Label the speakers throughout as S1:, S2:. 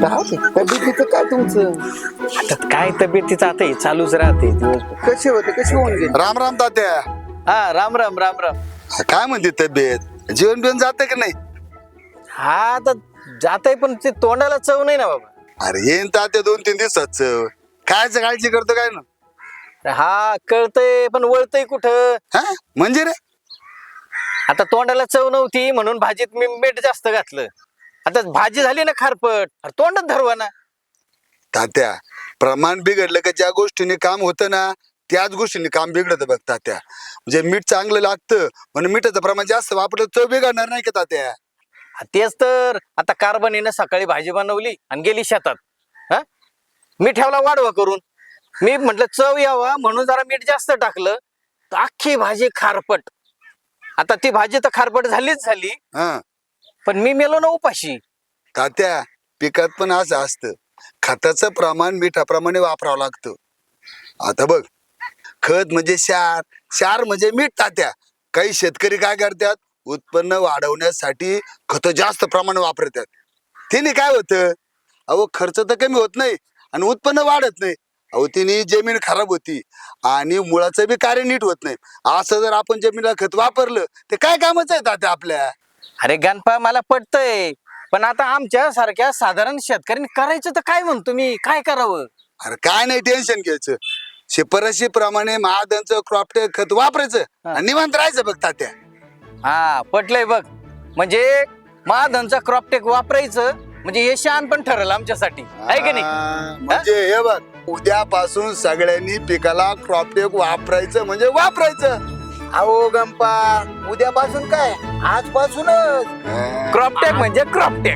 S1: तब्येतीचं काय तुमचं?
S2: आता काय तब्येतीचं आता हे चालूच राहते दिवसभर.
S1: कसे होते कसे होऊन गेले?
S3: राम राम तात्या.
S2: हा राम राम राम राम.
S3: काय म्हणते तब्येत? जेवण बिवण जाते की नाही?
S2: हा आता जातय पण ते तोंडाला चव नाही ना बाबा.
S3: अरे येईन तात्या 2-3 दिवसाच. कायच काळजी करतो काय ना?
S2: हा कळतय पण वळतय कुठं.
S3: हा म्हणजे रे?
S2: आता तोंडाला चव नव्हती म्हणून भाजीत मी मीठ जास्त घातलं. आता भाजी झाली ना खारपट, अरे तोंडात धरवा ना.
S3: तात्या प्रमाण बिघडलं का ज्या गोष्टीने काम होतं ना त्याच गोष्टीने काम बिघडतं बघ तात्या. म्हणजे मीठ चांगलं लागतं म्हणून मिठाचं प्रमाण जास्त वापरलं चव बिघडणार नाही का तात्या?
S2: तेच तर आता कारभानीनं सकाळी भाजी बनवली आणि गेली शेतात. हा मी ठेवला वाढवा करून. मी म्हटलं चव यावा म्हणून जरा मीठ जास्त टाकलं तर अख्खी भाजी खारपट. आता ती भाजी तर खारपट झालीच झाली
S3: हा
S2: पण मी मेलो ना उपाशी.
S3: तात्या पिकात पण असं असतं, खताचं प्रमाण मिठाप्रमाणे वापरावं लागतं. आता बघ खत म्हणजे क्षार म्हणजे मीठ तात्या. काही शेतकरी काय करतात उत्पन्न वाढवण्यासाठी खत जास्त प्रमाण वापरतात. तिने काय होतं अहो खर्च तर कमी होत नाही आणि उत्पन्न वाढत नाही. अहो तिने जमीन खराब होती आणि मुळाचं बी कार्य नीट होत नाही. असं जर आपण जमिनीला खत वापरलं ते काय कामच आहे तात्या आपल्या?
S2: अरे गणपा मला पटतय पण आता आमच्या सारख्या साधारण शेतकऱ्यांनी करायचं तर काय म्हणतो मी, काय करावं?
S3: अरे काय नाही टेन्शन घ्यायचं. शिफारशी प्रमाणे महादनचं क्रॉपटेक खत वापरायचं आणि निवांत राहायचं बघ तात्या.
S2: हा पटलंय बघ. म्हणजे महाधनचा क्रॉपटेक वापरायचं म्हणजे हे शान पण ठरलं आमच्यासाठी आहे की नाही?
S3: म्हणजे हे बघ उद्यापासून सगळ्यांनी पिकाला क्रॉपटेक वापरायचं म्हणजे वापरायचं.
S1: अहो गंपा उद्यापासून काय आजपासूनच.
S2: क्रॉपटेक म्हणजे क्रॉपटेक.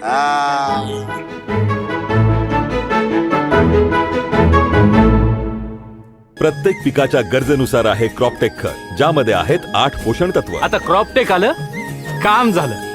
S4: प्रत्येक पिकाच्या गरजेनुसार आहे क्रॉपटेक खत, ज्यामध्ये आहेत 8 पोषण तत्व.
S5: आता क्रॉपटेक आलं, काम झालं.